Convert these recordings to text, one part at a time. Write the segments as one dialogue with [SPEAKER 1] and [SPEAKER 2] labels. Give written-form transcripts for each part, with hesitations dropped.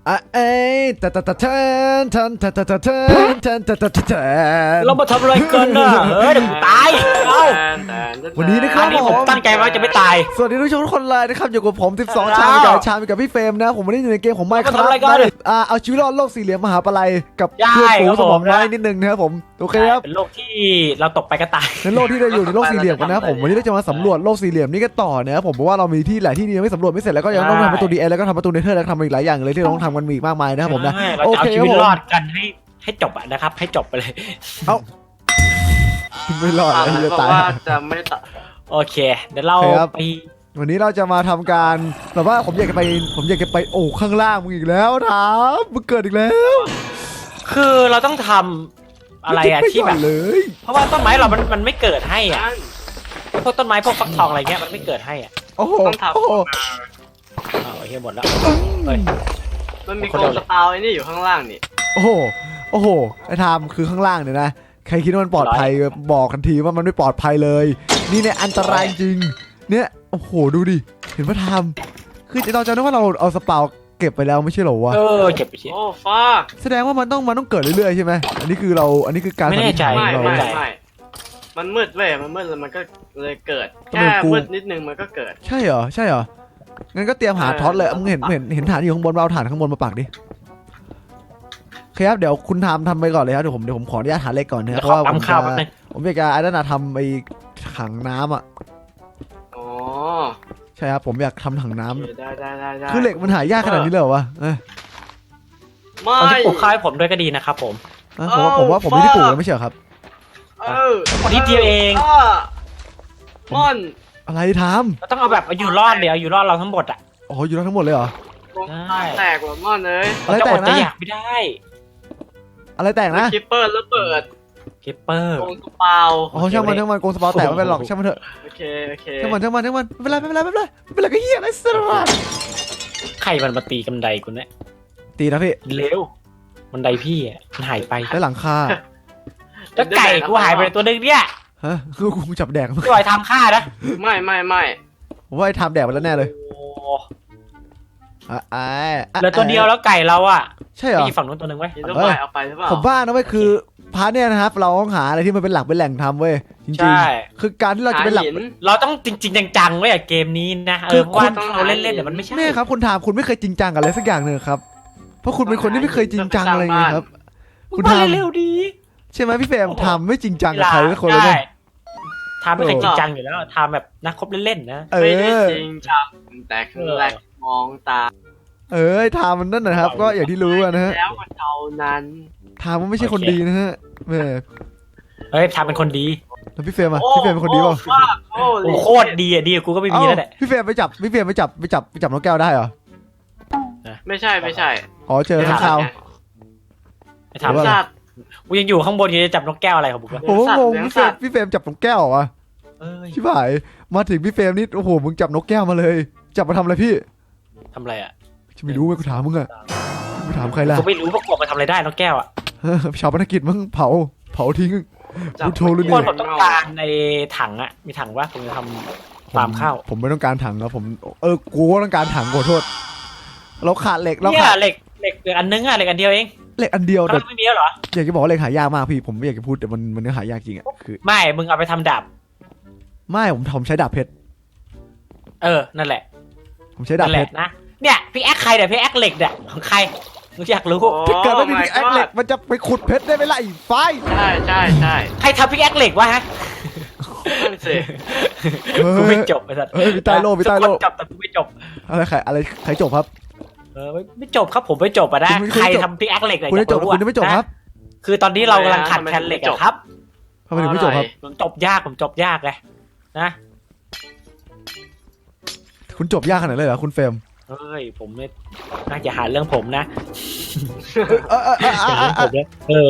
[SPEAKER 1] เอ้ยทัน
[SPEAKER 2] เรามาทำอะไรกันน่ะเฮ้ยเดี๋ยวกูตายเอ้า
[SPEAKER 1] วันนี้นะครับ
[SPEAKER 2] อันนี้ผมตั้งใจว่าจะไม่ตาย
[SPEAKER 1] สวัสดีทุกคนเลยนะครับอยู่กับผม12ชามกับพี่เฟรมนะผมไม่ได้อยู่ในเกมของไมค์ครับเอาชีวิตรอดโลกสี่เหลี่ยมมหาปลัยกับเพื่อนฝูงสมองน้อยนิดนึงนะครับผมโอเคครับ
[SPEAKER 2] เป็นโลกที่เราตกไปก็ตาย
[SPEAKER 1] ในโลกที่เราอยู่ในโลกสี่เหลี่ยมกันนะครับผมวันนี้เราจะมาสำรวจโลกสี่เหลี่ยมนี้กันต่อนะครับผมเพราะว่าเรามีที่หลายที่ยังไม่สำรวจไม่เสร็จแล้วก็ยังต้องทำประตูดีเอแล้วก็ทำประตูเนเธอร์แล้วก็ทำอีกหลายอย่างเลยที่เราต้องทำกันมีอีกมากมายนะครับผมนะ
[SPEAKER 2] เราจะเอาชีวิตรอดกันให้จบอะนะครับให้จบไปเลย
[SPEAKER 1] ไม่รอดเลยจะตาย
[SPEAKER 3] จะไม่ตัด
[SPEAKER 2] โอเคเดี๋ยวเราไป
[SPEAKER 1] วันนี้เราจะมาทำการแบบว่าผมอยากจะไปโอ้ข้างล่างมึงอีกแล้วถามมึงเกิดอีกแล้ว
[SPEAKER 2] คือเราต้องทำอะไรอะที่แบบ
[SPEAKER 1] เลย
[SPEAKER 2] เพราะว่าต้นไม้เรามันไม่เกิดให้อ่ะพวกต้นไม้พวกฟักทองอะไรเงี้ยมันไม่เกิดให้อ่ะ
[SPEAKER 1] โอ้โห
[SPEAKER 3] ต้องทำ
[SPEAKER 1] โอ้โห
[SPEAKER 2] อ้าวเฮียหมดแล้วเฮ้ย
[SPEAKER 3] มันมีโกงสตาร์ไอ้นี่อยู่ข้างล่างนี่
[SPEAKER 1] โอ้โหโอ้โหไอ้ทามคือข้างล่างเนี่ยนะใครคิดว่ามันปลอดภัยบอกกันทีว่ามันไม่ปลอดภัยเลย นี่เนี่ยอันตรายจริงเนี่ยโอ้โหดูดิเห็นว่าทามคือเราจะนึกว่าเราเอาสปาวเก็บไปแล้วไม่ใช่เหรอวะ
[SPEAKER 2] เก็บไปที
[SPEAKER 3] โอ้ฟ้า
[SPEAKER 1] แสดงว่ามันต้องเกิดเรื่อยๆใช่ไหมอันนี้คือการ
[SPEAKER 2] ไม่แน่ใจ
[SPEAKER 1] สันนิษฐานของเรา
[SPEAKER 3] ไม่มันมืดเว้ยมันมืดแล้วมันก็เลยเกิดแค่มืดนิดนึงมันก็เกิด
[SPEAKER 1] ใช่เหรองั้นก็เตรียมหาท็อตเลยมึงเห็นฐานอยู่ข้างบนเราฐานข้างบนมาปักดิโอเคครับเดี๋ยวคุณทำไปก่อนเลยครับเดี๋ยวผมขออนุญาตหาเลขก่อนนะครับเพราะว่าผมอยากจะไอ้นั่นทำไอ้ถังน้ำอ่ะ
[SPEAKER 3] อ๋อ
[SPEAKER 1] ใช่ครับผมอยากทำถังน้ำ
[SPEAKER 3] ได้
[SPEAKER 1] คือเหล็กมันหายากขนาดนี้เลยเหรอวะ
[SPEAKER 3] ไม่
[SPEAKER 2] ตอนที่ปลูกข้าวให้ผมด้วยก็ดีนะครับผม
[SPEAKER 1] ผมว่าผมไม่ได้ปลูกนะไม่ใช่เหรอครับ
[SPEAKER 2] คนที่เดียวเอง
[SPEAKER 3] ม่อน
[SPEAKER 1] อะไรท
[SPEAKER 2] เราต้องเอาแบบเอาอยู่รอดเดี๋ยวเอาอยู่รอดเราทั้งหมดอ่ะ
[SPEAKER 1] ำอ๋ออยู่แล้วทั้งหมดเลยเหรอ
[SPEAKER 3] แตกว่ะม่อนเลย
[SPEAKER 1] อะไร
[SPEAKER 2] จะ
[SPEAKER 1] แต
[SPEAKER 2] อก ด
[SPEAKER 1] นะ
[SPEAKER 2] จะอยากไม่ได้
[SPEAKER 1] อะไรแตกนะ
[SPEAKER 3] คิปเปอร์แล้วเปิด
[SPEAKER 2] คิปเปอร์
[SPEAKER 3] โกงสปาว
[SPEAKER 1] อ๋อช่างมันโกงสปอร์แตกไม่เป็นหรอกช่างมันเถอะ
[SPEAKER 3] โอเค
[SPEAKER 1] ช่างมันไม่เป็นไรก็เฮียอะไรสักอย่าง
[SPEAKER 2] ใครมันมาตีกำไดกูเนี่ย
[SPEAKER 1] ตีนะพี่
[SPEAKER 2] เร็วบันไดพี่อ่ะมันหายไป
[SPEAKER 1] ได้หลังคา
[SPEAKER 2] แล้วไก่กูหายไปตัวนึงเนี่ย
[SPEAKER 1] ฮะคือกูจับแดก
[SPEAKER 2] พี่บอยทำฆ่านะ
[SPEAKER 3] ไม่
[SPEAKER 1] ผมว่าไอ้ทำแดกไปแล้วแน่เลย
[SPEAKER 2] โอ้
[SPEAKER 1] เห
[SPEAKER 2] ลือตัวเดียวแล้วไก่เราอ่ะ
[SPEAKER 1] ใช่เหรอ
[SPEAKER 2] มีฝั่งนู้นตัวนึงไว้
[SPEAKER 3] ยินดีเอาไปหรือเปล่า
[SPEAKER 1] ผมว่านะเว้ยคือพาร์ทเนี่ยนะครับเราต้องหาอะไรที่มันเป็นหลักเป็นแหล่งทำเว้ยจริง
[SPEAKER 2] ใช่
[SPEAKER 1] ๆคือการที่เราจะเป็นหลัก
[SPEAKER 2] เราต้องจริงๆจังๆไว้อะเกมนี้นะเพราะว่าเราเล่นๆเดี๋ยวมันไม่ใช่
[SPEAKER 1] แม่ครับคุณถามคุณไม่เคยจริงจังกับอะไรสักอย่างเลยครับเพราะคุณเป็นคนที่ไม่เคยจริงจังอะไรเลยครับ คุณทำ
[SPEAKER 2] เร็วดี
[SPEAKER 1] ใช่ไหมพี่เฟรมทำไม่จริงจังกับใครสักคนเลยเนี่ย
[SPEAKER 2] ทำไม่เคยจริงจังอยู่แล้วทำแบบนักคบเล่นๆนะ
[SPEAKER 1] เอ
[SPEAKER 3] ไม่ได้
[SPEAKER 1] อ
[SPEAKER 3] จริงจังแต่คือแรกมองตา
[SPEAKER 1] ทำมันนั่นนะครับ ก็อย่างที่รู้นะฮะ
[SPEAKER 3] แล้วมันเท่านั้น
[SPEAKER 1] ทำมันไม่ใช่คนดีนะฮะแม่
[SPEAKER 2] เฮ้ยทำเป็นคนดี
[SPEAKER 1] แล้วพี่เฟรมอะพี่เฟรมเป็นคนดีเปล่า
[SPEAKER 2] โอ้โคตรดีอ่ะดีกูก็ไม่มีแล้วแหละ
[SPEAKER 1] พี่เฟรมไปจับน้องแก้วได้เหรอ
[SPEAKER 3] ไม่ใช่
[SPEAKER 1] อ๋อเจอข้างคาว
[SPEAKER 2] ไอ้ทำ
[SPEAKER 3] สัตว์
[SPEAKER 2] กูยังอยู่ข้างบนอยู่จะจับนกแก้วอะไรของมึงวะ
[SPEAKER 1] ผมงง
[SPEAKER 3] เลี้ยง
[SPEAKER 1] พี่เฟรมจับน้องแก้วเหรอวะ
[SPEAKER 2] เอ้ย
[SPEAKER 1] ชิบหายมาถึงพี่เฟรมนี่โอ้โหมึงจับนกแก้วมาเลย จับมาทำอะไรพี่
[SPEAKER 2] ทำอะไรอ่ะ
[SPEAKER 1] จะไม่รู้ไหมกูถามมึงอะกูถามใครล่ะ
[SPEAKER 2] กูไม่รู้ว่ากบมาทำอะไรได้นกแก้วอ่ะ
[SPEAKER 1] ชาวพนักกิจมึงเผาทิ้งกูโทรเลย
[SPEAKER 2] ค
[SPEAKER 1] เนี่
[SPEAKER 2] น
[SPEAKER 1] ย
[SPEAKER 2] ผมต้องการในถังอ่ะมีถังวะผมจะทำฟาร์มข้าว
[SPEAKER 1] ผมไม่ต้องการถังแล้วผมกูก็ต้องการถังขอโทษเราขาดเหล็กเรา
[SPEAKER 2] เนี่ย
[SPEAKER 1] ขาด
[SPEAKER 2] เหล็กอันนึงอ่ะเหล็กอันเดียวเอง
[SPEAKER 1] เหล็กอันเดียว
[SPEAKER 2] ตอน
[SPEAKER 1] แต่
[SPEAKER 2] นั้นไม่มีแล้วเหรอ
[SPEAKER 1] อยากจะบอกว่าเหล็กหายากมากพี่ผมไม่อยากจะพูดแต่มันหายากจริงอะคือ
[SPEAKER 2] ไม่มึงเอาไปทำดาบ
[SPEAKER 1] ไม่ผมใช้ดาบเพชร
[SPEAKER 2] นั่นแหละ
[SPEAKER 1] ผมใช้ดาบ
[SPEAKER 2] นั่นแห
[SPEAKER 1] เพ
[SPEAKER 2] ละ
[SPEAKER 1] ชร
[SPEAKER 2] นะเนี่ยพี่แอคใครเนี่ยพี่แอคเหล็กเนี่ยของใครมึงอยากรู้
[SPEAKER 1] ถ้าเกิดไม่มีพิกแอคเหล็กมันจะไปขุดเพชรได้ไหมล่ะไอ้ไฟ
[SPEAKER 3] ใช่
[SPEAKER 2] ใครทำพี่แอคเหล็กวะฮะ
[SPEAKER 3] นั่นสิ
[SPEAKER 2] กูไม่จบไอ้สัส
[SPEAKER 1] มีใต้โลมีใต้โล
[SPEAKER 2] ทุกคนจบแต่กูไม่จบ
[SPEAKER 1] อะไรใครจบครับ
[SPEAKER 2] ไม่จบครับผมไม่จบอ่ะนะ
[SPEAKER 1] คุณไม่
[SPEAKER 2] ใคร
[SPEAKER 1] จบ
[SPEAKER 2] ทำพี่แอคเหล็กเลย
[SPEAKER 1] คุณจะจบคุณจะไม่จบครับ
[SPEAKER 2] คือตอนนี้เรากำลังขัดแคลนเหล็กอะครับ
[SPEAKER 1] ทำไมถึงไม่จบครับ
[SPEAKER 2] ผมจบยากเลยนะ
[SPEAKER 1] คุณจบยากขนาดนั้นเลยเหรอคุณเฟรม
[SPEAKER 2] เฮ้ยผมไม่น่าจะหาเรื่องผมนะ
[SPEAKER 1] เออ
[SPEAKER 2] ผมเนี่ย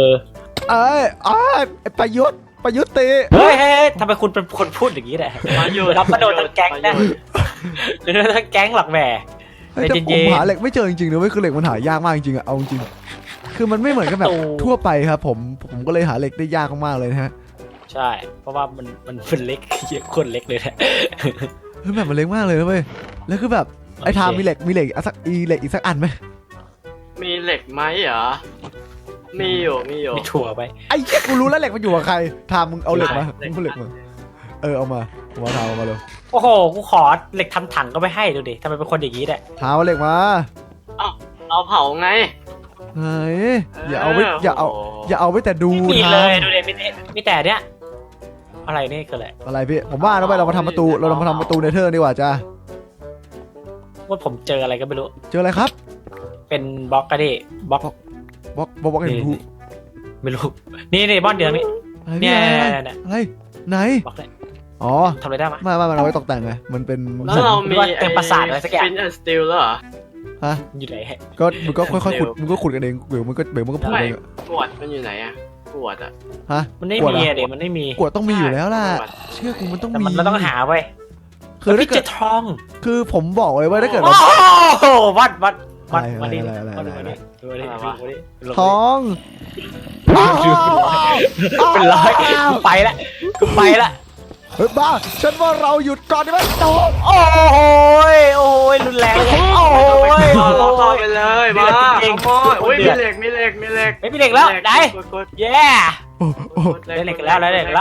[SPEAKER 1] ประยุทธ์ตี
[SPEAKER 2] เฮ้ยทำไมคุณเป็นคนพูดอย่างนี้เนี่ยรับมาโดนทั้งแก๊งนะโดนทั้งแก๊งหลักแหม่
[SPEAKER 1] แต่ผมหาเหล็กไม่เจอจริงๆนะเว้ยคือเหล็กมันหายากมากจริงๆอะเอาจริงคือมันไม่เหมือนกับแบบทั่วไปครับผมก็เลยหาเหล็กได้ยากมากๆเลยนะฮะ
[SPEAKER 2] ใช่เพราะว่ามันเป็นเล็กเยอะคนเล็กเลยแหละ
[SPEAKER 1] เฮ้ยแบบมันเล็กมากเลยนะเว้ยแล้วคือแบบไอ้ทามมีเหล็กอีกสักอันไหม
[SPEAKER 3] มีเหล็กไหมเหรอมีอยู่
[SPEAKER 2] มีถั่วไป
[SPEAKER 1] ไอ้เหี้ยกูรู้แล้วเหล็กมันอยู่กับใครทามมึงเอาเหล็กมา
[SPEAKER 3] เหล็ก
[SPEAKER 1] มึงเอาเหล็กมาเอามาทามเอามาเร็ว
[SPEAKER 2] โอ้โหกูขอเหล็กทำถังก็ไม่ให้ดูดิทำไมเป็นคนอย่างนี้เนี่ย
[SPEAKER 1] ทามเอาเหล็กมา
[SPEAKER 3] เอาเผาไง
[SPEAKER 1] เฮ้ยอย่าเอาไว้อย่าเอาไว้แต่ดู
[SPEAKER 2] ไม่มี
[SPEAKER 1] ทา
[SPEAKER 2] เลย
[SPEAKER 1] ม
[SPEAKER 2] ดูดิมีแต่เนี้ยอะไรนี่คืออะไร
[SPEAKER 1] อะไรพี่ผมว่าเราไปเรามาทำประตูเรามาทำประตูเนเธอร์ดีกว่าจ้า
[SPEAKER 2] ว่าผมเจออะไรก็ไม่รู้
[SPEAKER 1] เจออะไรครับ
[SPEAKER 2] เป็นบล็อกก็ดิบล็อก
[SPEAKER 1] บอกเห็นกู
[SPEAKER 2] ไม่รู้นี่บ้านเดือนนี้
[SPEAKER 1] อะไร
[SPEAKER 2] เนี่
[SPEAKER 1] พี่
[SPEAKER 2] ย
[SPEAKER 1] อะไรไหน
[SPEAKER 2] บล็อกเลย
[SPEAKER 1] อ๋อ
[SPEAKER 2] ทำอะไรได้มั้ย
[SPEAKER 1] ไม่มันเอาไว้ตกแต่งไงมันเป็น
[SPEAKER 3] แล้วเรามี
[SPEAKER 2] เต็มประสาทอะไรสักอย่าง
[SPEAKER 3] ฟินแอนด์สตีลแล้วเหรอ
[SPEAKER 1] ฮะ
[SPEAKER 2] อยู่ไหน
[SPEAKER 1] ก็มึงก็ค่อยๆขุดมึงก็ขุดกันเองเดี๋ยวมันก็พูด
[SPEAKER 3] ไม่
[SPEAKER 1] เองอะ
[SPEAKER 3] ขวดมันอยู่ไหนอะขวดอะ
[SPEAKER 1] ฮะ
[SPEAKER 2] มันไม่
[SPEAKER 1] กวด
[SPEAKER 2] มี
[SPEAKER 1] เหรอ
[SPEAKER 2] เด็กมันไม่มี
[SPEAKER 1] กวดต้องมีอยู่แล้วล่ะ
[SPEAKER 3] ขวด
[SPEAKER 1] เชื่อกูมันต้อง
[SPEAKER 2] แต่
[SPEAKER 1] มี
[SPEAKER 2] มันเราต้องหาไว้
[SPEAKER 1] คือถ้า
[SPEAKER 2] พี่
[SPEAKER 1] เกิ
[SPEAKER 2] เจ
[SPEAKER 1] ด
[SPEAKER 2] ทอง
[SPEAKER 1] คือผมบอกเลยว่าถ้าเกิด
[SPEAKER 2] โอ้
[SPEAKER 1] เรา
[SPEAKER 2] โหวัดมาดิ
[SPEAKER 1] อะไร
[SPEAKER 2] ท
[SPEAKER 1] ท
[SPEAKER 2] อง
[SPEAKER 1] อง
[SPEAKER 2] เป็นร้อยกูไปละ
[SPEAKER 1] เฮ้ยบ้าฉันว่าเราหยุดก่อนดีไหมโต
[SPEAKER 2] โอ้ยรุนแรงเลยโอ้ย
[SPEAKER 3] ต่อไปเลยมา
[SPEAKER 2] จริง
[SPEAKER 3] ขโมยอุ้ยมีเหล็ก
[SPEAKER 2] ไม่มีเหล็กแล้วไหน
[SPEAKER 3] กด
[SPEAKER 2] เย้
[SPEAKER 1] โอ้โอ้
[SPEAKER 2] ได้เหล็กแล้ว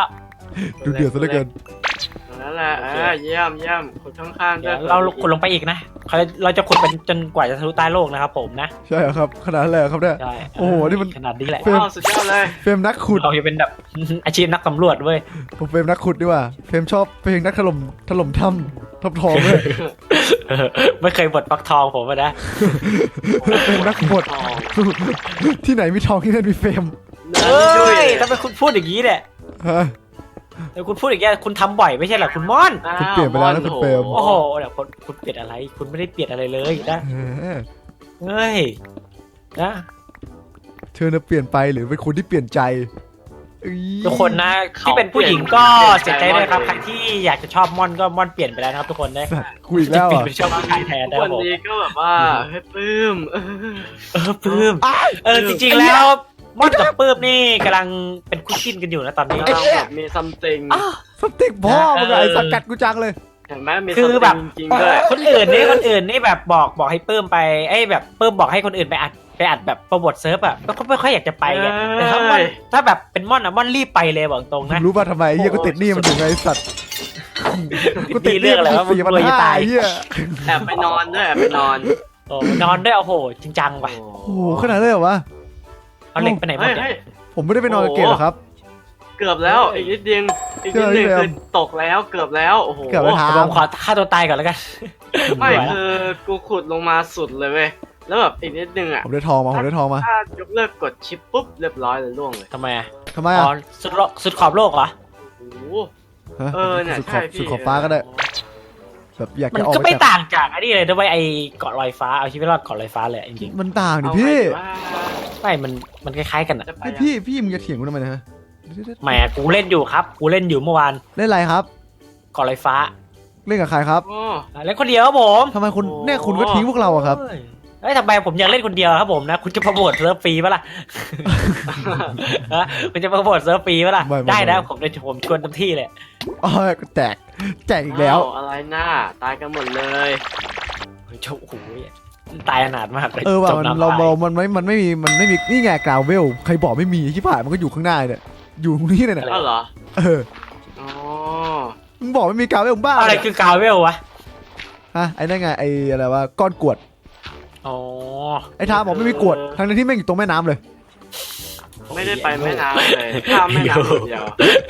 [SPEAKER 1] ดูเดือดซะเหลือเกิน
[SPEAKER 3] นั่นแหละเยี่ยมคนข้างๆ
[SPEAKER 2] เดี๋ยวเราขุดลงไปอีกนะเราจะขุดเป็นจนกว่าจะทะลุใต้โลกนะครับผมนะ
[SPEAKER 1] ใช่เหรอครับขนาดนั้นเลยเหรอครับเนี่ย
[SPEAKER 2] ใช่
[SPEAKER 1] โอ้โหนี่มัน
[SPEAKER 2] ขนาดนี้แหละ
[SPEAKER 3] สุดยอดเลย
[SPEAKER 1] เฟรมนักขุด
[SPEAKER 2] เราจะเป็นแบบ อาชีพนักสำรวจเว้ย
[SPEAKER 1] ผมเฟรมนักขุดดีกว่าเฟรมชอบเพลงนักถล่มถ้ำทับทองเลย
[SPEAKER 2] ไม่เคยบดปักทองผมนะ
[SPEAKER 1] เฟรมนักขุดที่ไหนมีทองที่นั่นมีเฟรม
[SPEAKER 2] เฮ้ยทำไมคุณพูดอย่างนี้เนี่ย
[SPEAKER 1] ฮะ
[SPEAKER 2] เดี๋ยวคุณพูดอย่างนี้คุณทำบ่อยไม่ใช่เหรอคุณม่อน
[SPEAKER 1] คุณเปลี่ยนไปแล้วนะคุณเปรม
[SPEAKER 2] โอ้โหเดี๋ยวคุณเปลี่ยนอะไร คุณไม่ได้เปลี่ยนอะไรเลยนะ เฮ้ยนะ
[SPEAKER 1] เธอน่ะเปลี่ยนไปหรือเป็นคนที่เปลี่ยนใจเอ้ย
[SPEAKER 2] ทุกคนนะที่เป็นผู้หญิงก็เสียใจด้วยครับใครที่อยากจะชอบม่อนก็ม่อนเปลี่ยนไปแล้วนะครับทุกคนนะ
[SPEAKER 1] สัตว์คุยอีกแล้ว
[SPEAKER 2] เปลี่ยน
[SPEAKER 1] อ่ะ
[SPEAKER 2] ไปชอบผู้ชายแทนนะค
[SPEAKER 3] วั
[SPEAKER 2] รับ
[SPEAKER 3] น
[SPEAKER 2] ผม
[SPEAKER 3] นี้ก็แบบว่าให้ปลื้ม
[SPEAKER 2] ปลื้มจริงๆแล้วม่อนกับปื้มนี่กำลังเป็นคู่จิ้นกันอยู่นะตอนนี้
[SPEAKER 3] กำลังแบบมีซัมติง
[SPEAKER 1] สติ๊กพ่อมึงอะไอ้สัตว์กัดกูจังเลย
[SPEAKER 3] เห็นไหมมี
[SPEAKER 2] คื
[SPEAKER 3] ซัม
[SPEAKER 2] อแบ
[SPEAKER 3] ติ
[SPEAKER 2] บ
[SPEAKER 3] งจริงๆด้วย
[SPEAKER 2] คนอื่นนี่แบบบอกให้ปื้มไปแบบปื้มบอกให้คนอื่นไปอัดแบบโปรโมทเซิร์ฟอ่ะก็ไม่ค่อยอยากจะไปไงแต่ถ้าแบบเป็นม่อนอ่ะม่อนรีบไปเลยบอกตรงนะ
[SPEAKER 1] รู้ป่ะทำไมเฮียกูติดหนี้มันอยู่ไงไอ้สัตว์กูติดห
[SPEAKER 2] เรื่
[SPEAKER 1] นี้
[SPEAKER 2] องอะไร
[SPEAKER 1] มัน
[SPEAKER 2] วะ
[SPEAKER 1] 4,500
[SPEAKER 2] มึงรวยจะตาย
[SPEAKER 1] เฮีย
[SPEAKER 3] แอบไปนอนด้วยแอบไปนอน
[SPEAKER 2] โอ้นอนด้วยโอ้โหจริงจังว่ะ
[SPEAKER 1] โอ้โหขนาดนั้นเลยเหรอวะ
[SPEAKER 2] เอาเหล็กไปไหนหมด
[SPEAKER 3] เฮ้ย
[SPEAKER 2] เนี่ย
[SPEAKER 1] ผมไม่ได้ไปนอนกับเกดหรอกครับ
[SPEAKER 3] เกือบแล้วอีกนิดเดียวอีกนิดนึงคือตกแล้วเกือบแล้วโอ้โห
[SPEAKER 1] เกือบไปทา
[SPEAKER 2] ผมขอฆ่าตัวตายก่อนแล้วกัน
[SPEAKER 3] ไม่คือกูขุดลงมาสุดเลยเว้ยแล้วแบบอีกนิดนึงอ่ะ
[SPEAKER 1] ผมได้ทองมา
[SPEAKER 3] ถ้ายกเลิกกดชิปปุ๊บเรียบร้อยเลยล่วงเลย
[SPEAKER 2] ทำไมอ่ะ
[SPEAKER 1] ทำไม
[SPEAKER 2] อ๋
[SPEAKER 1] อ่ะ
[SPEAKER 2] อสุดขอบโลกเหรอ
[SPEAKER 3] โอ้โห
[SPEAKER 1] ฮะ
[SPEAKER 3] เนี่ย
[SPEAKER 1] สุดข
[SPEAKER 3] ใช่
[SPEAKER 1] อบ
[SPEAKER 3] พี่
[SPEAKER 1] สุดขอบฟ้าก็ได้แบบอยาก
[SPEAKER 2] มัน
[SPEAKER 1] จะออก
[SPEAKER 2] ก็
[SPEAKER 1] ไป
[SPEAKER 2] ไม่
[SPEAKER 1] จาก
[SPEAKER 2] ต่างจากไอ้นี่เลยด้วยไอ้เกาะลอยฟ้าเอาชีวิตรอดเกาะลอยฟ้าเลยจริง
[SPEAKER 1] มันต่างดิ
[SPEAKER 3] เอา
[SPEAKER 1] พี่
[SPEAKER 3] ไงดีว่า
[SPEAKER 2] ๆไม่มันคล้ายๆกันอ่ะ
[SPEAKER 3] จะไป
[SPEAKER 1] ไอ้พี่มึงจะเถียงกูทำไมนะฮะ
[SPEAKER 2] แหมกูเล่นอยู่ครับกูเล่นอยู่เมื่อวาน
[SPEAKER 1] เล่นอะไรครับ
[SPEAKER 2] เกาะลอยฟ้า
[SPEAKER 1] เล่นกับใครครับ
[SPEAKER 3] โอ้
[SPEAKER 2] เล่นคนเดียวครับผม
[SPEAKER 1] ทำไมคุณเนี่ยคุณก็ทิ้งพวกเราอะครับ
[SPEAKER 2] เฮ้ยทำไมผมอยากเล่นคนเดียวครับผมนะคุณจะโปรโมทเซิร์ฟฟรีปะล่ะ ฮะคุณจะโปรโมทเซิร์ฟฟรีปะล่ะ
[SPEAKER 1] ไม่
[SPEAKER 2] ได้นะ
[SPEAKER 1] ไม่
[SPEAKER 2] ผมชวนเต็มที่เลย
[SPEAKER 1] อ๋อแจกอีกแล้ว
[SPEAKER 3] อ้าอะไรหน้าตายกันหมดเลย
[SPEAKER 2] โอ้โหตายขนาดมากเลย
[SPEAKER 1] ว่ะ
[SPEAKER 2] จม
[SPEAKER 1] มัน
[SPEAKER 2] น้ำ
[SPEAKER 1] เรา
[SPEAKER 2] ตาย
[SPEAKER 1] มันไม่มีนี่ไงกราวเวลใครบอกไม่มีที่ผ่านมันก็อยู่ข้างหน้าเนี่ยอยู่ตรงนี้เลยเนี่ย
[SPEAKER 3] อ้าวเหรอ อ๋อ
[SPEAKER 1] มึงบอกไม่มีกราวเวลบ้า
[SPEAKER 2] อะไรคือกาวเวลวะ
[SPEAKER 1] ฮะไอ้นั่นไงไอ้อะไรวะก้อนกรวด
[SPEAKER 2] อ๋อ
[SPEAKER 1] ไอ้ทามบอกไม่มีกรวดทั้งที่แม่งอยู่ตรงแม่น้ำเลย
[SPEAKER 3] ไม่ได้ไปแม่น้ำเลยข้ามแม่น้ำเดียว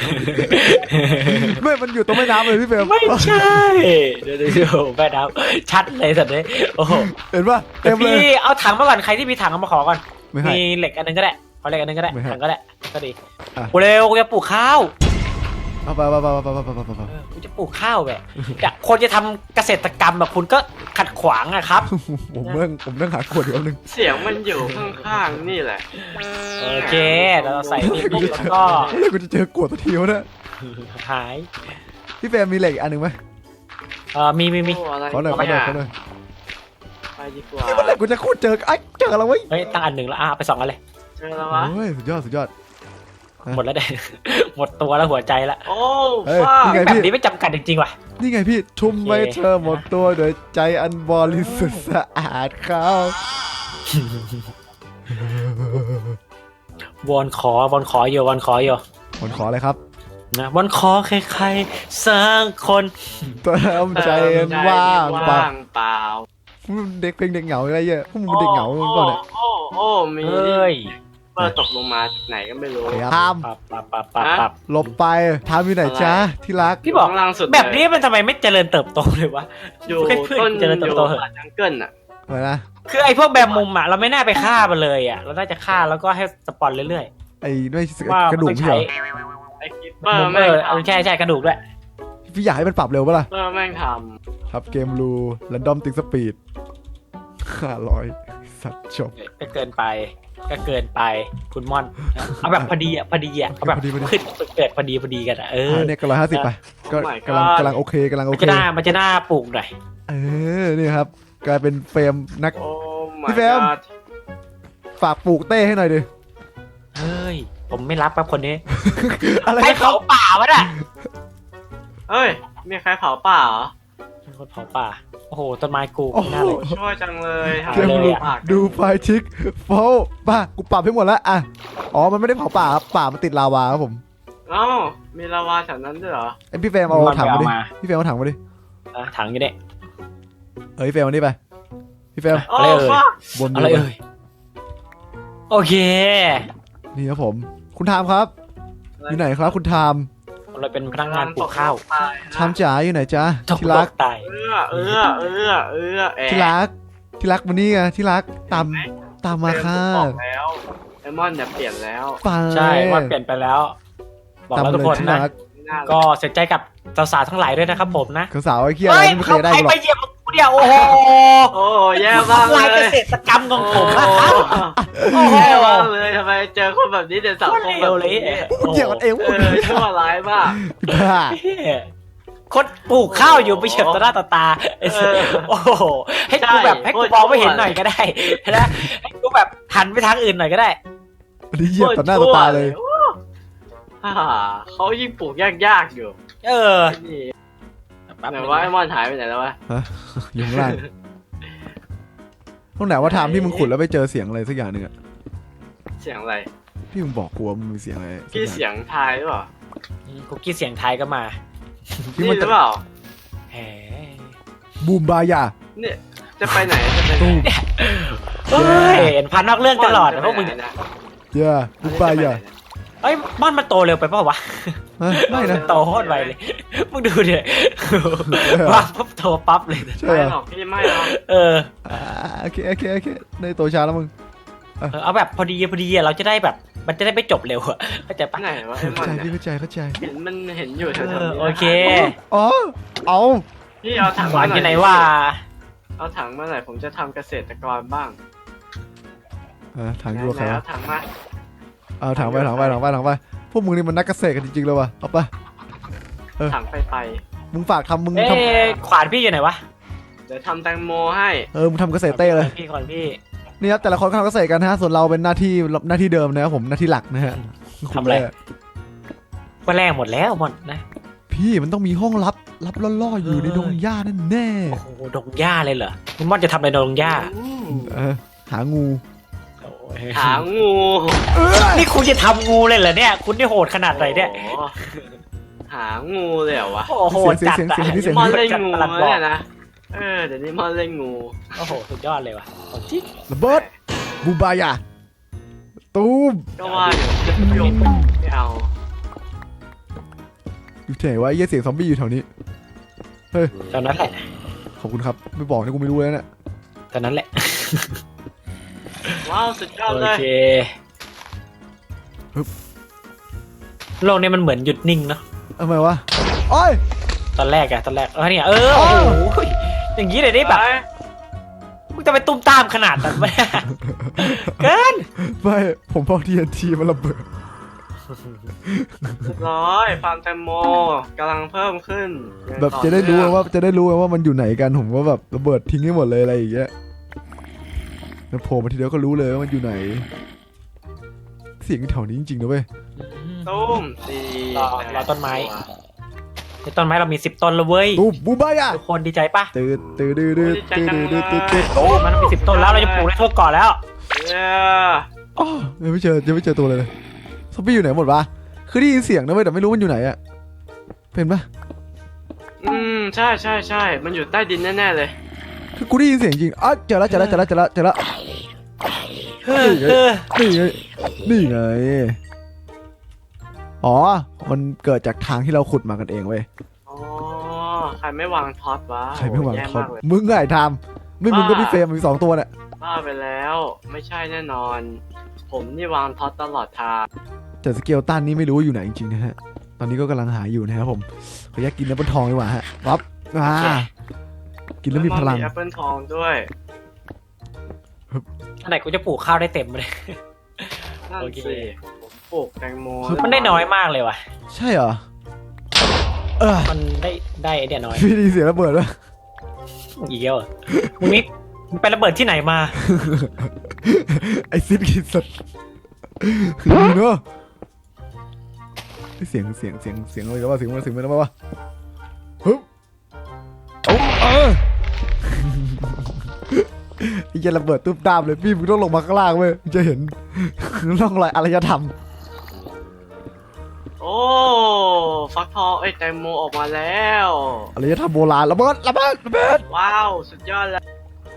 [SPEAKER 1] ไม่มันอยู่ตรงแม่น้ำเลยพี่เฟรม
[SPEAKER 2] ไม่ใช่เดี๋ยวแม่น้ำชัดเลยสัตว์เลยโอ้โห
[SPEAKER 1] เห็นป่ะเต็มเลย
[SPEAKER 2] พี่เอาถังมาก่อนใครที่มีถังเอามาขอก่อน
[SPEAKER 1] ไม่ให้
[SPEAKER 2] มีเหล็กอันนึงก็ได้ขอเหล็กอันนึงก็ได้
[SPEAKER 1] ไม่ให้
[SPEAKER 2] ถังก็ได้ก็ดี
[SPEAKER 1] อ่ะ
[SPEAKER 2] กูเร็วกูจะปลูกข้าว
[SPEAKER 1] เอาไป
[SPEAKER 2] กูจะปลูกข้าวแบบคนจะทำเกษตรกรรมแบบคุณก็ขัดขวางอะครับ
[SPEAKER 1] ผมนั่งหากรวดอยู่แป๊บนึง
[SPEAKER 3] เสียงมันอยู่ข้างๆนี่แหละ
[SPEAKER 2] โอเคแล้วเราใส่นี่ปุ๊บแล้วก็
[SPEAKER 1] แล้วกูจะเจอกรวดตัวทีวะเนี่ย
[SPEAKER 2] หาย
[SPEAKER 1] พี่เฟรมมีเหล็กอันหนึ่งไหม
[SPEAKER 2] มี
[SPEAKER 3] โอ้อะไร
[SPEAKER 1] ขอหน่อย
[SPEAKER 3] ไปดีกว่า
[SPEAKER 1] เมื่อไหร่กูจะคูดเจอเจออะไรวะ
[SPEAKER 2] เฮ้ยตั้งอันหนึ่งแล้วไป2อันเลย
[SPEAKER 3] เจอแล้ววะ
[SPEAKER 1] โอ้ยสุดยอด
[SPEAKER 2] หมดแล้วเด้ หมดตัวแล้วหัวใจละ
[SPEAKER 3] โอ้
[SPEAKER 1] เฮ้ย
[SPEAKER 3] ฟ้า
[SPEAKER 1] นี่ไง
[SPEAKER 2] แบบนี้ไม่จำกัดจริงๆว่ะ
[SPEAKER 1] นี่ไงพี่ชุ่ม
[SPEAKER 2] โอเค
[SPEAKER 1] ไว้เธอหมดตัวโดยใจอันบริสุทธิ์สะอาดเขา
[SPEAKER 2] วอนขออยู่
[SPEAKER 1] คนขออะไรครับ
[SPEAKER 2] นะวอนขอใครๆสักคน
[SPEAKER 1] เติมใจว่างเปล่า
[SPEAKER 3] ว่างเปล่า
[SPEAKER 1] เด็กเพลงเด็กเหงาอะไรเงี้ยพวกมึงเป็นเด็กเหงาหรือเปล่าเนี่ย
[SPEAKER 3] โอ้มี
[SPEAKER 2] เอ้ย
[SPEAKER 3] เปิดตกลงมาจากไหนก็ไม่รู้
[SPEAKER 1] ทาม
[SPEAKER 2] ปับ
[SPEAKER 1] หลบไปทามอยู่ไหนจ๊ะที่รัก
[SPEAKER 2] พี่บอก
[SPEAKER 3] ข้างล่างสุด
[SPEAKER 2] แบบนี้มันทำไมไม่เจริญเติบโตเลยวะ
[SPEAKER 3] อยู่
[SPEAKER 2] ให้เพื่อน
[SPEAKER 3] ต้น
[SPEAKER 2] เจริญเติบโตเหอะ
[SPEAKER 3] อยู่จังเกิลอ่ะ
[SPEAKER 1] อะไรนะ
[SPEAKER 2] คือไอ้พวกแบบมุมอะเราไม่น่าไปฆ่ามันเลยอะเราน่าจะฆ่าแล้วก็ให้สปอนเรื่อย
[SPEAKER 1] ไอ้ด้วย
[SPEAKER 2] ๆว่าก
[SPEAKER 1] ระดูก
[SPEAKER 2] มันต้อง
[SPEAKER 1] พี่เหร
[SPEAKER 2] ใช้
[SPEAKER 1] อ
[SPEAKER 3] ไอ้คิปเปอร์
[SPEAKER 2] มุม
[SPEAKER 3] แม่ง
[SPEAKER 2] ใช่กระดูกด้วย
[SPEAKER 1] พี่อยากให้มันปรับเร็วปะล่ะ
[SPEAKER 3] เปอร์แม่งท
[SPEAKER 1] ครับเกมรูแรนดอมติงสปีด500สัตว์จบ
[SPEAKER 2] ก็เกินไปคุณม่อนเอาแบบพอดีอะเอาแบบ
[SPEAKER 1] พอดี
[SPEAKER 2] ขึ้นเกิดพอดีกันอะ
[SPEAKER 1] เนี่ยก็150ไปก็กำลังโอเคกำลังโอ
[SPEAKER 2] มัน
[SPEAKER 1] เค
[SPEAKER 2] จะหน้าปลูกหน่อย
[SPEAKER 1] นี่ครับกลายเป็นเฟรมนัก
[SPEAKER 3] ำโอ้
[SPEAKER 1] พี่เฟรม ฝากปลูกเต้ให้หน่อยดิ
[SPEAKER 2] เฮ้ยผมไม่รับครับคนนี้
[SPEAKER 1] อะไร
[SPEAKER 2] ให้
[SPEAKER 1] นะครั
[SPEAKER 2] เผา
[SPEAKER 1] บ
[SPEAKER 2] ป่าวะน่ะ
[SPEAKER 3] เอ้ยมีใครเผาป่าเหรอ
[SPEAKER 2] เป็นคนเผาป่าโอ้โหต้นไม้กู
[SPEAKER 1] โอ้โห
[SPEAKER 2] น่าเลย
[SPEAKER 3] ช่วยจังเลยหา
[SPEAKER 1] เกม
[SPEAKER 2] เลย
[SPEAKER 1] รู
[SPEAKER 2] อะ
[SPEAKER 3] ป่า
[SPEAKER 1] ดูไฟทิกโฟป่ะกูปรับให้หมดแล้วอ่ะอ๋อมันไม่ได้เผาป่าครับป่ามันติดลาวาครับผม
[SPEAKER 3] เอ้ามีลาวาแถวนั้นด้วยเหรอ
[SPEAKER 1] ไอพี่เฟรมเอาถังมาดิพี่เฟรมเอาถังมาดิ
[SPEAKER 2] ถังอยู่เนี่ย
[SPEAKER 1] พี่เฟรมเอานี่ไปพี่เฟรม
[SPEAKER 3] โอ้
[SPEAKER 2] อะไรเอ่ย
[SPEAKER 3] ฟ้า
[SPEAKER 1] บน
[SPEAKER 2] อะไรเอ่ยโอเค
[SPEAKER 1] นี่ครับผมคุณทามครับอยู่ไหนครับคุณทาม
[SPEAKER 2] เราเป็นพนักงานปลูกข้าว
[SPEAKER 1] ทามจ๋าอยู่ไหนจ๊ะ
[SPEAKER 2] ตก
[SPEAKER 1] ที่รัก
[SPEAKER 2] ตาย
[SPEAKER 1] ที่รักที่รักมานี่ไงที่รักตามมาค่ะ
[SPEAKER 3] บอกแล้วไอมอนเนี่ยเปลี่ยนแล้ว
[SPEAKER 1] ไป
[SPEAKER 2] ใช่ว่าเปลี่ยนไปแล้ว บอกแล้วทุกคน
[SPEAKER 1] ที่
[SPEAKER 2] นะ
[SPEAKER 1] รัก
[SPEAKER 3] ไม่น่าเลย
[SPEAKER 2] ก็เสียใจกับสาวๆทั้งหลายด้วยนะครับผมนะ
[SPEAKER 1] สาวไอ้เคียอะไรไม่เคยได้
[SPEAKER 2] ใคร
[SPEAKER 1] หรอ
[SPEAKER 2] ไป
[SPEAKER 1] ก
[SPEAKER 2] เหยียบกูเดียวโอ้โห
[SPEAKER 3] โอ้แย่มาก
[SPEAKER 2] ลาย
[SPEAKER 3] เล
[SPEAKER 2] เก
[SPEAKER 3] ย
[SPEAKER 2] ษตรกรรมของผมนะครับ โอ้โห
[SPEAKER 3] แย่มากเลยทำไมเจอคนแบบนี้ในสังคมแบบนี้
[SPEAKER 1] มึงเหยียบกันเอง
[SPEAKER 3] ชั่วร้ายมาก
[SPEAKER 1] บ้า
[SPEAKER 2] คนปลูกข้าวอยู่ไปเฉียบต่อหน้าต่อตาโอ้โหให้กูแบบให้กูมองไม่เห็นหน่อยก็ได้นะให้กูแบบหันไปทางอื่นหน่อยก็ได้
[SPEAKER 1] อันนี้เหยียบต่อหน้าต่อตาเลย
[SPEAKER 3] เขายิ่งปลูกยากๆอยู่
[SPEAKER 2] เออ
[SPEAKER 3] นี่
[SPEAKER 2] แป๊บ
[SPEAKER 3] ไหน
[SPEAKER 2] นึง
[SPEAKER 3] ว่าไอ
[SPEAKER 2] นะ
[SPEAKER 3] มอนหายไปไหนแล้ววะ
[SPEAKER 1] อยู่ข้างล่างตรงไหนว่าทามที่มึงขุดแล้วไปเจอเสียงอะไรสักอย่างหนึ่งอะ
[SPEAKER 3] เสียงอะไร
[SPEAKER 1] พี่มึงบอกกูว่ามึงมีเสียงอะไรสัก
[SPEAKER 3] พี่
[SPEAKER 1] อย่าง
[SPEAKER 3] เสียงทายหรือเปล่า
[SPEAKER 2] คุกกี้เสียงไทายก็มา
[SPEAKER 1] ที่
[SPEAKER 3] นี่
[SPEAKER 1] มัน
[SPEAKER 3] ห
[SPEAKER 1] จะ
[SPEAKER 3] รือเปล่า
[SPEAKER 2] แหม
[SPEAKER 1] บูมบายา
[SPEAKER 3] เนี่ยจะไปไหนจะไปไหน
[SPEAKER 1] ตูม
[SPEAKER 2] เฮ้ยเห็นพันนอกเรื่องตลอดนะพวกมึง
[SPEAKER 3] นะ
[SPEAKER 1] เย่บูมบายา
[SPEAKER 2] เอ้ยม่อนมันโตเร็วไปเปล่าวะ
[SPEAKER 1] ไม่นะ
[SPEAKER 2] โตโคตรไวเลย มึงดูดิวางปุ๊บโตปั๊บเลย
[SPEAKER 1] ใช่
[SPEAKER 3] ไม่
[SPEAKER 1] เหรอ
[SPEAKER 3] หรอกพี่ไม่หรอก
[SPEAKER 2] เออ
[SPEAKER 1] โอเคในตัวช้าแล้วมึง
[SPEAKER 2] เอาแบบพอดีอะเราจะได้แบบ มันจะได้ไม่จบเร็วอะเข้าใจปะ
[SPEAKER 3] ไหนวะไอมอน
[SPEAKER 1] เข้าใจ
[SPEAKER 3] เนี่ย
[SPEAKER 1] พี่เข้าใจ
[SPEAKER 3] เห็นมันเห็นอยู่แถวๆนี้นะ
[SPEAKER 2] โอเค
[SPEAKER 1] อ๋อเอา
[SPEAKER 3] พี่เอาถัง
[SPEAKER 2] หวาน
[SPEAKER 3] มา
[SPEAKER 2] อยู่ไหน
[SPEAKER 3] น่อ
[SPEAKER 2] ว่า
[SPEAKER 3] เอาถังมาหน่อยผมจะทำเกษตรกรบ้าง
[SPEAKER 1] ถังอยู่กับใคร
[SPEAKER 3] ไหน
[SPEAKER 1] วะ
[SPEAKER 3] เอาถังมา
[SPEAKER 1] เอาถังไปพวกมึงนี่มันนักเกษตรกันจริงๆเลยว่ะเอาไป
[SPEAKER 3] ถังไป
[SPEAKER 1] มึงฝากทำมึง
[SPEAKER 2] เอ๊
[SPEAKER 1] ท
[SPEAKER 2] ะขวานพี่อยู่ไหนวะ
[SPEAKER 3] เดี๋ยวทำแตงโมให้
[SPEAKER 1] ำมึงทำเกษตรเต้เลย
[SPEAKER 2] พี่ก่อนพี่
[SPEAKER 1] นี่ครับแต่ละคนก็ทำเกษตรกันนะฮะส่วนเราเป็นหน้าที่เดิมนะครับผมหน้าที่หลักนะฮะ
[SPEAKER 2] ทำอะไร ก็แรงหมดแล้วหมดนะ
[SPEAKER 1] พี่มันต้องมีห้องลับล่อๆอยู่ในดงหญ้าแน่
[SPEAKER 2] โอ้โหดงหญ้าเลยเหรอคุณม่อนจะทำอะไรในดงหญ้า
[SPEAKER 1] หางู
[SPEAKER 2] โอ้ย
[SPEAKER 3] หางู
[SPEAKER 2] นี่คุณจะทำงูเลยเหรอเนี่ย คุณนี่โหดขนาดไหนเนี่ย
[SPEAKER 3] โอ้โหหางูเลยเหรอวะ
[SPEAKER 2] โอ้โหจัดอะ
[SPEAKER 1] เสียง
[SPEAKER 3] มอนเล่น
[SPEAKER 2] จัด
[SPEAKER 3] งู
[SPEAKER 2] ประหลัดบอก
[SPEAKER 3] เนี่ยนะเดี๋ยวนี้มอนเล่นงู
[SPEAKER 2] โอ้โหสุดยอดเลยว่ะของจริง
[SPEAKER 1] ระเบิดบูบายาตูม
[SPEAKER 3] ก็ว่าเดี๋ยวจะโยงไม่เอา
[SPEAKER 1] อยู่ที่ไหนวะไอ้เหี้ยเสียงซอมบี้อยู่แถวนี้
[SPEAKER 2] ตอนนั้นแหละ
[SPEAKER 1] ขอบคุณครับไม่บอกนี่กูไม่รู้แล้วเนี่ย
[SPEAKER 2] ตอนนั้นแหละ
[SPEAKER 3] ว้าวสุดยอด
[SPEAKER 2] โอ
[SPEAKER 3] เลย
[SPEAKER 2] เคโลกนี้มันเหมือนหยุดนิ่งเนาะ
[SPEAKER 1] ทำไมวะโอ้ย
[SPEAKER 2] ตอนแรกเนี่ยโอ้โหอย่างนี้เลยได้แบบมึงจะไปตุ้มตามขนาดนั้นไหมเกิน
[SPEAKER 1] ไม่ผมพอ TNT มันระเบิด
[SPEAKER 3] เรียบร้อยฟาร์มแตงโมกำลังเพิ่มขึ้น
[SPEAKER 1] แบบจะได้รู้ว่ามันอยู่ไหนกันผมก็แบบระเบิดทิ้งให้หมดเลยอะไรอย่างเงี้ยแล้วโผล่มาทีเดียวก็รู้เลยว่ามันอยู่ไหน เสียงแถวนี้จริงๆนะเว้ย
[SPEAKER 3] ตุ้มสี่
[SPEAKER 2] รอต้นไม้ในต้นไม้เรามี10 ต้นแล้วเว้ย
[SPEAKER 1] ตูมบูบายะ
[SPEAKER 2] ทุกคนดีใจปะ
[SPEAKER 1] ตื่นตื่นตื่นตื่นตื่นตื่นตื่น
[SPEAKER 2] โอ้มันมี10 ต้นแล้วเราจะปลูกได้ทั่วเกาะแล้ว
[SPEAKER 3] เย้
[SPEAKER 1] อ๋อยังไม่เจอตัวเลยซอมบี้อยู่ไหนหมดวะคือได้ยินเสียงนะเว้ยแต่ไม่รู้มันอยู่ไหนอะเป็นปะ
[SPEAKER 3] ใช่มันอยู่ใต้ดินแน่ๆเลย
[SPEAKER 1] คือกูได้ยินเสียงจริงอ๋อเจอแล้วนี่ไงอ๋อมันเกิดจากทางที่เราขุดมากันเองเว้ย
[SPEAKER 3] อ๋อใครไม่วางท็อตวะ
[SPEAKER 1] ใครไม่วาง
[SPEAKER 3] แย่
[SPEAKER 1] ท็อต
[SPEAKER 3] มากเลย
[SPEAKER 1] มึงไงทำไม่มึงก็พี่เฟรมมี2 ตัวเนี่ย
[SPEAKER 3] บ้าไปแล้วไม่ใช่แน่นอน ผมนี่วางท็อตตลอดทาง
[SPEAKER 1] แต่สเกลตันนี่ไม่รู้ว่าอยู่ไหนจริงๆนะฮะตอนนี้ก็กำลังหาอยู่นะครับผมขออยากกินแอปเปิลทองดีกว่าฮะปั๊บกินแล้วมีพลัง
[SPEAKER 3] แอปเปิลทองด้วย
[SPEAKER 2] อันไหนกูจะปลูกข้าวได้เต็มเลย
[SPEAKER 3] นั่น
[SPEAKER 2] โอเค
[SPEAKER 3] สิผมปลูกแตงโม
[SPEAKER 2] มันได้น้อยมากเลยว่ะ
[SPEAKER 1] ใช่เหรอ
[SPEAKER 2] มันได้ไอเดียน้อย
[SPEAKER 1] พี่ได้ยินเสียงระเบิดวะ
[SPEAKER 2] อีกแล้วอ่ะมึงนี่มึงไประเบิดที่ไหนมา
[SPEAKER 1] ไอซิดกินสัตว์นี่เนาะเสียงอะไรกันวะเสียงมันอะไรวะฮึบไอ้เหี้ยระเบิดตุ้มตามเลยพี่มึงต้องลงมาข้างล่างเว้ยมึงจะเห็นร่องรอยอารยธรรม
[SPEAKER 3] โอ้ฟักทองแตงโมออกมาแล้ว
[SPEAKER 1] อารยธรรมโบราณระเบิด
[SPEAKER 3] ว้าวสุดยอดแล้ว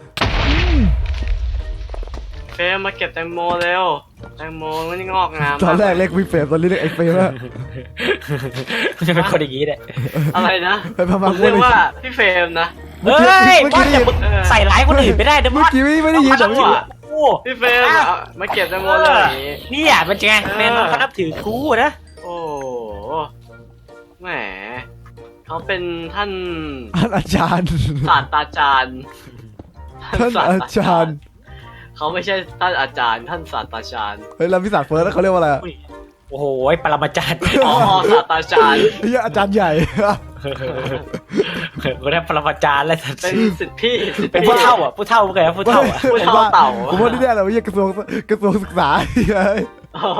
[SPEAKER 3] เฟรมมาเก็บแตงโมเร็วแตงโมมันงอกงาม
[SPEAKER 1] ตอนแรกเรียกพี่เฟรมตอนนี้เรียกไอ้เฟรมอะ
[SPEAKER 2] จะเป็นคนอย่างนี้เนี่ย
[SPEAKER 3] อะไรนะ
[SPEAKER 1] ไปพา
[SPEAKER 3] ผ
[SPEAKER 1] มาม
[SPEAKER 3] เรียกว่าพี่เฟรมนะ
[SPEAKER 2] เฮ้ยบอสอย่าใส่ร้ายคนอื่นไม่ได้นะบ
[SPEAKER 1] เมื่
[SPEAKER 2] อ
[SPEAKER 1] อ
[SPEAKER 2] ส
[SPEAKER 1] กี้ไม่ได้ยินแต่
[SPEAKER 2] เมื่
[SPEAKER 1] เมื่
[SPEAKER 2] อ
[SPEAKER 1] อ
[SPEAKER 2] กี้
[SPEAKER 1] กี้
[SPEAKER 2] โอ้
[SPEAKER 3] พี่เฟรมเอามาเก็บแตงโมเลยอย่างนี้
[SPEAKER 2] นี่อ่ะมันจะไงแม่น้องเขานับถือกูนะ
[SPEAKER 3] โอ้แหมเขาเป็นท่าน
[SPEAKER 1] อาจารย์
[SPEAKER 3] ศาสตราจารย์
[SPEAKER 1] ท่านอาจารย์
[SPEAKER 3] เขาไม่ใช่ท่านอาจารย์ท่านศาสตราจารย์
[SPEAKER 1] เฮ้ยเราพิศาจเฟิร์สแล้วเขาเรียกว่าอะไรอะ
[SPEAKER 2] โอ้โหปรมาจารย์
[SPEAKER 3] อ๋อศาสตราจารย์
[SPEAKER 1] เฮ้ยอาจารย์ใหญ่
[SPEAKER 2] กูได้ปรมาจารย์แล้ว
[SPEAKER 3] เป็นสิทธิพี่สิทธิ
[SPEAKER 2] เป็น
[SPEAKER 3] พี่
[SPEAKER 2] ผู้เฒ่าอ่ะผู้เฒ่าไงผู้เฒ่าอ่ะ
[SPEAKER 3] ผู้เฒ่าเต่า
[SPEAKER 1] ผมว่าที่แน่เลยว่ากระทรวงศึกษาเฮ้ย
[SPEAKER 3] โอ้โห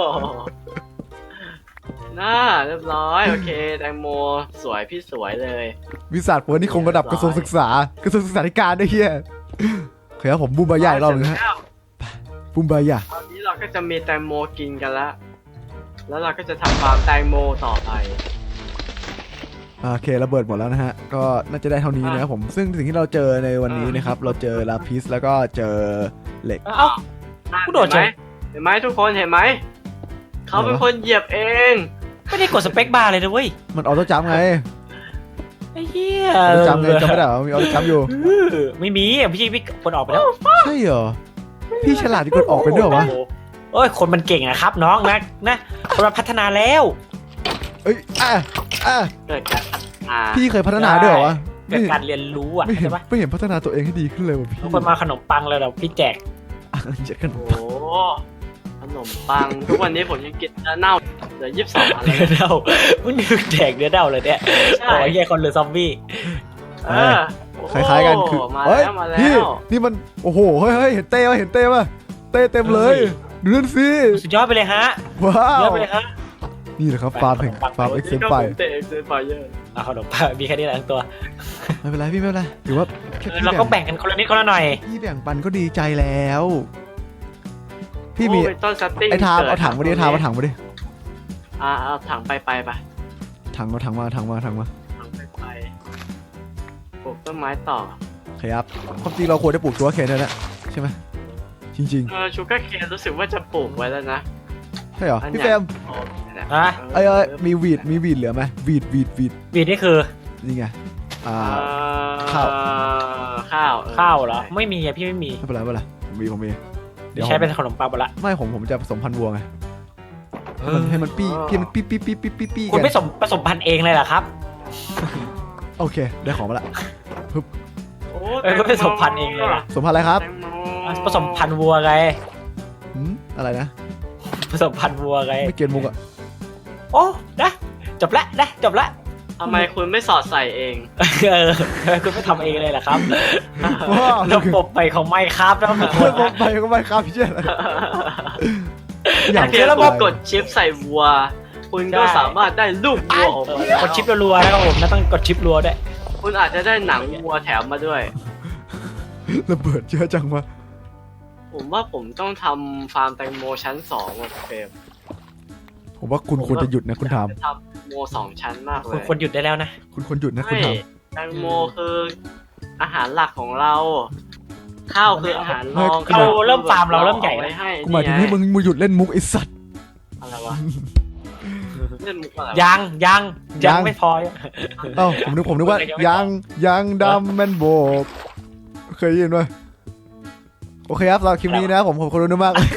[SPEAKER 3] น่าเรียบร้อยโอเคแตงโมสวยพี่สวยเลย
[SPEAKER 1] วิศาจเฟิร์สนี่คงระดับกระทรวงศึกษาธิการได้เฮียโอเคครับผมบูมบายาอีกรอบหนึงฮะบูมบายา
[SPEAKER 3] ตอนนี้เราก็จะมีแตงโมกินกันแล้วแล้วเราก็จะทำฟาร์มแตงโมต่อไป
[SPEAKER 1] โอเคระเบิดหมดแล้วนะฮะก็น่าจะได้เท่านี้นะครับผมซึ่งสิ่งที่เราเจอในวันนี้นะครับเราเจอลาพิสแล้วก็เจอเหล็ก
[SPEAKER 2] เอ้า กูโดดเฉย
[SPEAKER 3] เห็นไหมทุกคนเห็นไหมเขาเป็นคนเหยียบเอง
[SPEAKER 2] ไม่ได้กดสเปคบาร์เลยนะเว้ย
[SPEAKER 1] มันออโต้จัมป์ไง
[SPEAKER 2] ไอ้เหี้ย
[SPEAKER 1] ออโต้จัมป์ไงจำไม่ได้เหรอมีออโต้จัมป์อยู่
[SPEAKER 2] ไม่มีพี่กดออกไปแล้ว
[SPEAKER 1] ใช่เหรอพี่ฉลาดที่กดออกเป็นด้วยเหรอวะ
[SPEAKER 2] โอ้ยคนมันเก่งอะครับน้องนะคนมันพัฒนาแล้ว
[SPEAKER 1] เอ้ยอ่ะ
[SPEAKER 3] เกิดการอ่า
[SPEAKER 1] พี่เคยพัฒนาด้วยเหรอวะ
[SPEAKER 2] เกิดการเรียนรู้อะ
[SPEAKER 1] ไม่เห็น
[SPEAKER 2] ใช่ปะ
[SPEAKER 1] ไม่เห็นพัฒนาตัวเองให้ดีขึ้นเลยว่ะพี่
[SPEAKER 2] คนมาขนมปังเลยเราพี่แจก
[SPEAKER 1] เจ็ดกัน
[SPEAKER 3] โอ้โหขนมปังทุกวันนี้ผมยังกินเนื้อเน่าเหลือ22อันเลย
[SPEAKER 2] เนื้อเน่ามึงนึกแจกเนื้อเน่าเลยเนี่ย
[SPEAKER 3] ใช่
[SPEAKER 2] โอ้ยแย่คนหรือซอมบี้
[SPEAKER 3] เออ
[SPEAKER 1] คล้ายๆกันคือ
[SPEAKER 3] มา
[SPEAKER 1] เฮ้ย
[SPEAKER 3] แล้วมาแล้
[SPEAKER 1] พี่
[SPEAKER 3] ว
[SPEAKER 1] นี่มันโอ้โหเฮ้ยเห็นเต้ป่ะเห็นเต้ป่ะเต้เต็มเลยดูนั่นสิ
[SPEAKER 2] สุดยอดไปเลยฮะ
[SPEAKER 1] ว้า
[SPEAKER 2] สุดยอ
[SPEAKER 1] ว
[SPEAKER 2] ดไปเลยฮะ
[SPEAKER 1] นี่แหละครับฟาร์มแห่งฟาร์มเอ็กเซนไฟ
[SPEAKER 3] เตะเอ็กเซนไฟเยอะ
[SPEAKER 2] เอาขนมปังมีแค่นี้แหละทั้งตัว
[SPEAKER 1] ไม่เป็นไรพี่ไม่เป็นไรถือว่าแค่
[SPEAKER 2] เราก็แบ่งกันคนละนิดคนละหน่อย
[SPEAKER 1] พี่แบ่งปันก็ดีใจแล้ว พี่มี
[SPEAKER 3] โอ้ยต้นสติ้ง
[SPEAKER 1] ไอ้ทาม
[SPEAKER 3] กิด
[SPEAKER 1] เอาถังมาดิทามเอาถังมาดิ
[SPEAKER 3] เอาถังไปไป
[SPEAKER 1] ถังมา
[SPEAKER 3] ถังไปปลูกต้นไม้ต่อ
[SPEAKER 1] โอเคครับความจริงเราควรจะปลูกชัวร์เคนนั่นแหละใช่ไหมจริง
[SPEAKER 3] ชูการ์เคนรู้สึกว่าจะปลูกไว้แล้วนะ
[SPEAKER 1] ๆใช่เหรอ
[SPEAKER 3] อันเนี้
[SPEAKER 1] พี่
[SPEAKER 3] ย
[SPEAKER 1] เฟรม
[SPEAKER 3] โอ้นี่แหละ
[SPEAKER 2] ฮะ
[SPEAKER 1] เอ้ยมีวีดเหลือไหมวีด
[SPEAKER 2] วีดนี่คือ
[SPEAKER 1] นี่ไง
[SPEAKER 3] เอ่อ
[SPEAKER 1] ข้าว
[SPEAKER 3] ข้าว
[SPEAKER 2] ข้าวเหรอไม่มีอะพี่ไม่มี
[SPEAKER 1] ไม่เป็นไรผมมีเดี๋ยว
[SPEAKER 2] ใช้เป็นขนมปังหมดละ
[SPEAKER 1] ไม่ผมจะผสมพันธุ์วัวไงมันให้มันปี้พี่มันปี้
[SPEAKER 2] คุณไม่ผสมพันธุ์เองเลยเหรอครับ
[SPEAKER 1] โอเคได้ของมาละ
[SPEAKER 3] โอ้
[SPEAKER 2] ก็ผสมพันธุ์เองเลยอะ
[SPEAKER 1] สมพันธุ์อะไรครับ
[SPEAKER 3] แตงโม
[SPEAKER 2] ผสมพันธุ์วัวไง
[SPEAKER 1] อะไรนะ
[SPEAKER 2] ผสมพันธุ์วัวไง
[SPEAKER 1] ไม่เกียนมุกอะ
[SPEAKER 2] โอ้นะจบละจบละ
[SPEAKER 3] ทำไมคุณไม่สอดใส่เอง
[SPEAKER 2] คุณไม่ทำเองเลยเหรอครับ
[SPEAKER 1] ว้าว
[SPEAKER 2] ระบบไปของไม่ครับนะทุกค
[SPEAKER 1] เพื่อน
[SPEAKER 2] น
[SPEAKER 1] ผมไปก็ไม่ครับพี่เจ้าอยาก
[SPEAKER 3] ถ้าเกิดคุณกดชิปใส่วัว คุคุณก็สามารถได้ลูกวัวออกมาแล้ว
[SPEAKER 2] กดชิปรัวๆนะครับผมแล้วต้องกดชิปรัวด้วย
[SPEAKER 3] คุณอาจจะได้หนังวัวแถมมาด้วย
[SPEAKER 1] ระเบิดเยอะจังวะ
[SPEAKER 3] ผมว่าผมต้องทำฟาร์มแตงโมชั้น2ว่ะเฟรม
[SPEAKER 1] ผมว่าคุณควรจะหยุดนะคุณท
[SPEAKER 3] ทำโม2 ชั้นมากเล
[SPEAKER 2] คุณ
[SPEAKER 3] ย
[SPEAKER 2] ควรหยุดได้แล้วนะ
[SPEAKER 1] ำคุณควรหยุดนะคุณ
[SPEAKER 3] ไม่
[SPEAKER 1] ท
[SPEAKER 3] แตงโมคืออาหารหลักของเรา ข้าวคืออาหารรอง
[SPEAKER 2] เราเริ่มฟาร์มเราเริ่มใหญ่
[SPEAKER 3] ไว้
[SPEAKER 2] แล้ว
[SPEAKER 3] ให้
[SPEAKER 1] ำกูหมายถึงให้มึงหยุดเล่นมุกไอ้สัตว์
[SPEAKER 3] อะไรวะเล่นมุกอะไรวะ
[SPEAKER 2] ยังไม่พอ
[SPEAKER 1] เอ้าผมนึกว่ายังดำแมนโบกเคยได้ยินไหมโอเคครับสำหรับคลิปนี้นะผมขอบคุณมากเลย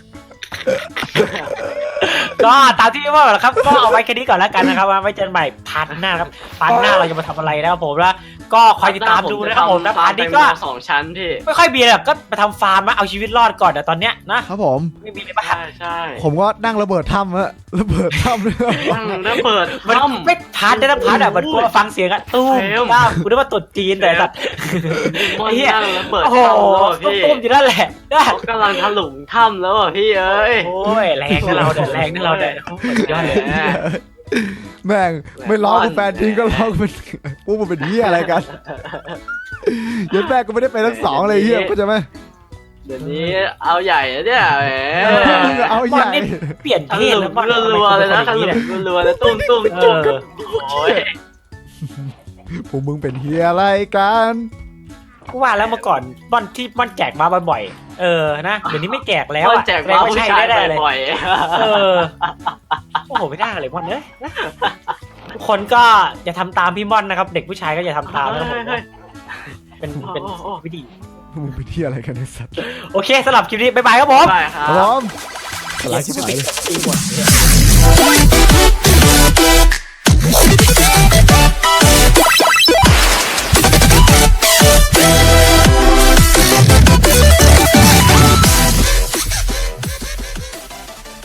[SPEAKER 2] ก็ตามที่พี่ว่าแหละครับก็เอาไว้แค่นี้ก่อนแล้วกันนะครับไว้เจอกันใหม่พาร์ทหน้าครับพาร์ทหน้าเราจะมาทำอะไรนะครับผมแล้วก็คอยติดตามดูนะครับผมนะพาร์ทนี้ก็
[SPEAKER 3] ฟาร์มแตงโม2 ชั้นพี่
[SPEAKER 2] ไม่ค่อยมีแบบก็มาทำฟาร์มมาเอาชีวิตรอดก่อนแต่ตอนเนี้ยนะครับ
[SPEAKER 1] ผม
[SPEAKER 2] ไม่มีอะไรบ้าง
[SPEAKER 3] ใช่
[SPEAKER 1] ผมก็นั่งระเบิดถ้ำฮะระเบิดถ้ำด้วย
[SPEAKER 3] ตั้งระเบิด
[SPEAKER 2] มัน
[SPEAKER 3] ถ้ำ
[SPEAKER 2] ไม่พาร์ทได้นะพาร์ทอะมันกลัวฟังเสียงอะตู้ม
[SPEAKER 3] เฟรม
[SPEAKER 2] ก้ามกูนึกว่าตุดจีนแต่สัตว์
[SPEAKER 3] มอน
[SPEAKER 2] เฮีย
[SPEAKER 3] นั่งระเบิด
[SPEAKER 2] โอ้โห
[SPEAKER 3] ถ้ำแล้วอะพี่
[SPEAKER 2] ตุ้มๆอยู่นั่นแหละนะ
[SPEAKER 3] เขากำลังถลุงถ้ำแล้วอ่ะพี่เอ้ย
[SPEAKER 2] โอ้ยแรงนะเราเด้อแรงนะเราเด้อโอ้โหสุดยอดเลย
[SPEAKER 1] แม่งไม่ร้องกูแฟนทิ้งก็ร้องเป็นพวกมันเป็นเหี้ยอะไรกันยันแม่ก็ไม่ได้ไปทั้งสองเลยเหี้ยก็จะไหม
[SPEAKER 3] เดี๋ยวนี้เอาใหญ่นะเนี่ยแหม
[SPEAKER 1] เอาใหญ่
[SPEAKER 2] เปลี่ยน
[SPEAKER 3] ถ
[SPEAKER 2] เพศ
[SPEAKER 3] ลุ
[SPEAKER 2] แล้ว
[SPEAKER 3] ง
[SPEAKER 2] มัน
[SPEAKER 3] รัวๆเลยนะถลุงรัวๆเลยตุ้มตุ้ม
[SPEAKER 2] เอ
[SPEAKER 3] จุ๊บ
[SPEAKER 2] อ
[SPEAKER 3] โอ้ย
[SPEAKER 1] พวกมึงเป็นเหี้ยอะไรกัน
[SPEAKER 2] กูว่าแล้วเมื่อก่อนม่อนแจกมาบ่อยๆนะเดี๋ยวนี้ไม่แจกแล้ว
[SPEAKER 3] ม่อน
[SPEAKER 2] อะ
[SPEAKER 3] แจกมา
[SPEAKER 2] ไม่
[SPEAKER 3] ผู้
[SPEAKER 2] ใช่
[SPEAKER 3] ชาย
[SPEAKER 2] ได้เลย
[SPEAKER 3] บ่อย
[SPEAKER 2] โอ้โหไม่ได้เลยม่อนเอ้ยนะทุกคนก็อย่าทำตามพี่ม่อนนะครับ เด็กผู้ชายก็อย่าทำตามนะครับผมเป็นวิธี
[SPEAKER 1] พวกมึงเป็นเหี้ยอะไรกันไอ้สัตว์
[SPEAKER 2] โอเคสำหรับคลิปนี้บ๊ายบายครับผม
[SPEAKER 3] ๆไปค
[SPEAKER 1] ค
[SPEAKER 3] รั
[SPEAKER 1] รั
[SPEAKER 3] บบ
[SPEAKER 1] ผมสลายชิบหายเลย
[SPEAKER 2] ตีหมด